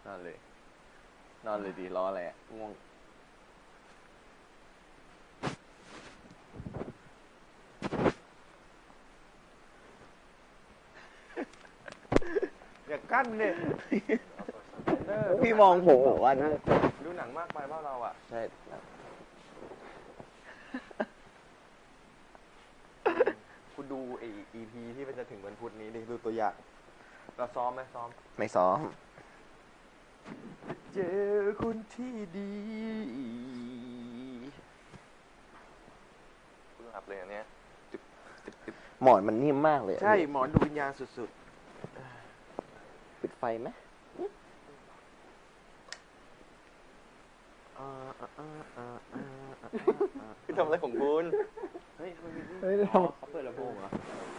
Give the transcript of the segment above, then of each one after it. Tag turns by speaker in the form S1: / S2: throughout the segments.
S1: นอนเลยนอนเลยดีรออะไรง่วง
S2: อย่ากั้นเนี่ย
S1: พี่มองผมบอกว่านะ
S2: ดูหนังมากไปบ้าเราอ่ะ
S1: ใช่
S2: คุณดูไอ้ EP ที่มันจะถึงวันพุธนี้ดิดูตัวอย่างเราซ้อมไหมซ้อม
S1: ไม่ซ้อม
S2: เจอคนที่ดีคุณหลับเลยอันเนี้ย
S1: หมอนมันนิ่มมากเลย
S2: ใช่หมอนดูวิญญาณสุด
S1: ปิดไฟไหม
S2: พี่ทำอะไรของคุณเฮ้ยเขาเปิดลำโพงเหรอ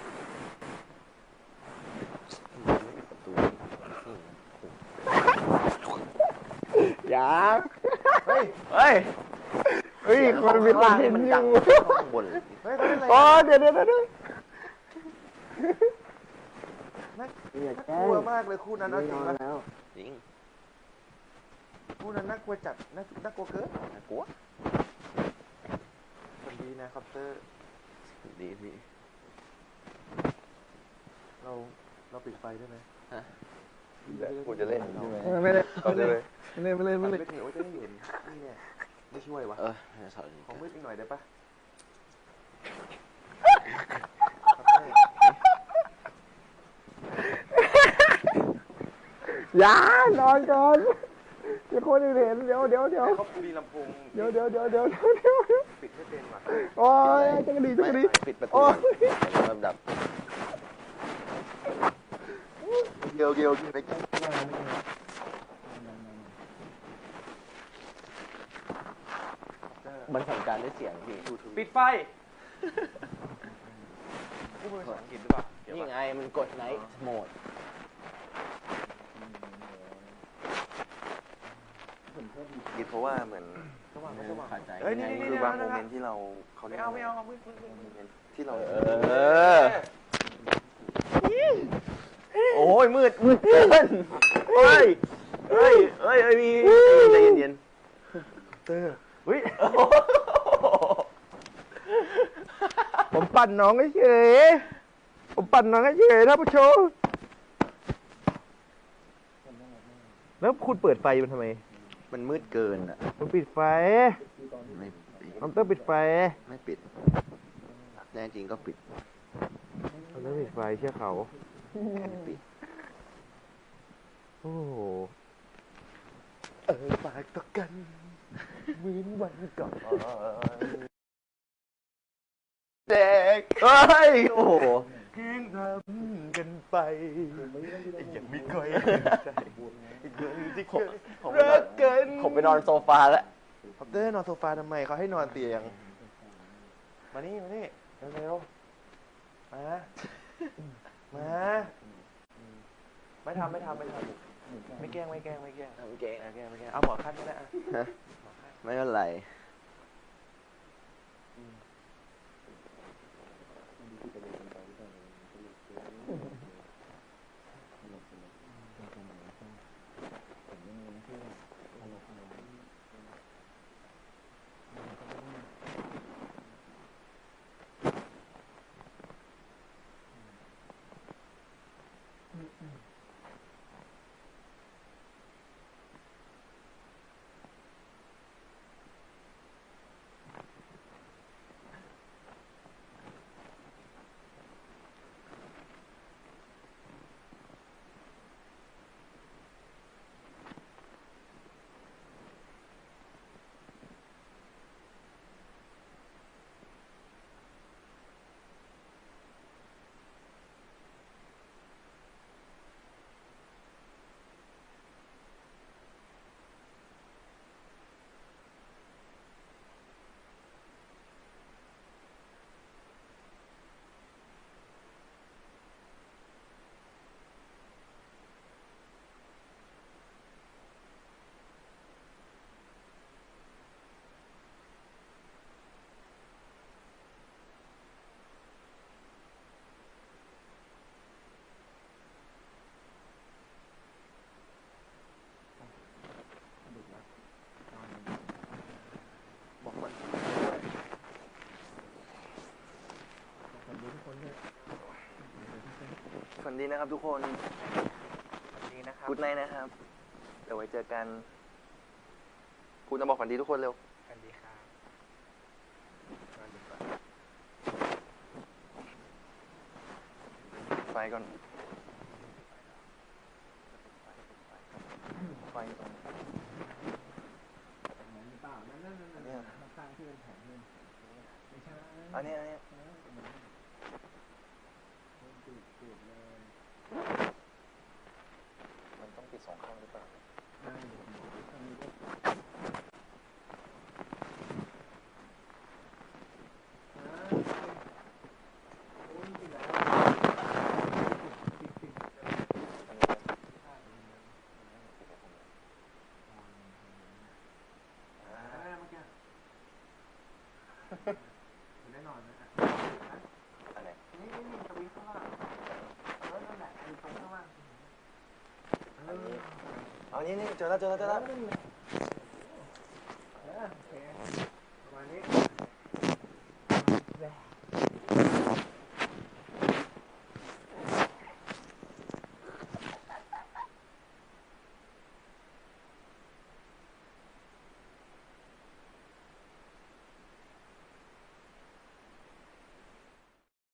S1: ยัง
S2: เฮ้ย
S1: คนมีคนเห็นอยู่ข้างบน
S2: เฮ้ยเขาเล่นอะไร
S1: อ๋อเดี๋ยว
S2: น่ากลัวมากเลยคู่นั้นเอาจริงนะ
S1: จริง
S2: คู่นั้นน่ากลัวจัดน่ากลัวเกิน
S1: น่ากลัว
S2: คนดีนะคอปเตอร์
S1: ดีพี่
S2: เราปิดไฟได้ไหม
S1: ฮะ
S2: กูจะเล่นใช่ไหม
S3: ไม่ได้
S2: เอาเลย
S3: ไม่เล่น
S2: ไม่ถึงว่าจะได้เห็นนี่เนี่ยไม่ช่วยวะของมืดอีกหน่อยได้ปะ
S3: อย่านอนก่อนเดี๋ยวคนอื่นเห็นเดี๋ยว
S2: เขามีลำโพง
S3: เดี๋ยว
S2: ปิดให้เป็นว่ะ
S3: โอ้ยจักรดี
S1: ปิดประตูลำดับ
S2: เกี่ยวไปแก้
S1: มันสั่งการด้วยเสียงพี่
S2: ปิดไฟพูดภาษาอังกฤษหรือเปล่า
S1: นี่ไงมันกดไนท์โหมด
S2: คิดเพราะว่าเหมือน
S1: ขาดใจ
S2: เอ้ยนี่คือบางโมเมนต์ที่เราเขาไม่เอามืดที่เรา
S1: โอ้ยมืดเกินเฮ้ยมีใจเย็น
S2: เตอร์เฮ้ย
S3: ผมปั่นน้องเฉยท่านผู้ชมแล้วคุณเปิดไฟมันทำไม
S1: มันมืดเกินอ่ะ
S3: มันปิดไฟ
S1: ไม่
S3: คอมเตอร์ปิดไฟ
S1: ไม่ปิดแน่จริงก็ปิด
S3: คอมเตอร์ปิดไฟเชื่อเขา
S1: ไม่ปิด
S3: โอ้โห
S2: ปากต่อกันเหมือนวันก่อน
S1: เด็กเฮ้ยโอ้โห
S2: แข่งทำกันไปยังไม่ค่อยใจอีกเรื่องที่เคยรักกัน
S1: ผมไปนอนโซฟาแล้ว
S2: คอปเตอร์นอนโซฟาทำไมเขาให้นอนเตียงมานี่เร็วมาไม่ทำไม่แกล้งเอาหมอขั้นก็ได้
S1: ไม่เป็นไรฝันดีนะครับทุกคน
S2: ดีนะครับ
S1: กูดไนท์นะครับ เดี๋ยวไว้เจอกันคุณจะบอกฝันดีทุกคนเร็ว
S2: สวัสดีครับสวัสดีครับ
S1: ไฟก่อน ไฟตรง
S3: เปล่านั่น
S1: เนี่ย
S3: ข้างที่เป็นแผงเลยไม่ใช่
S1: อันนี้
S3: ติดเลย
S1: มันต้องปิดสองข้างหรือเปล่า
S3: ได้ทางนี้ก็โอ้ยติดแล้ว
S1: อันนี้
S3: แน่นอนนะ
S1: อันไหน
S3: นี่สวิตช์ข้างล่างนั่นแหละไอ้ตรงข้างล่าง
S1: อันนี้ เอานี่เจอแล้ว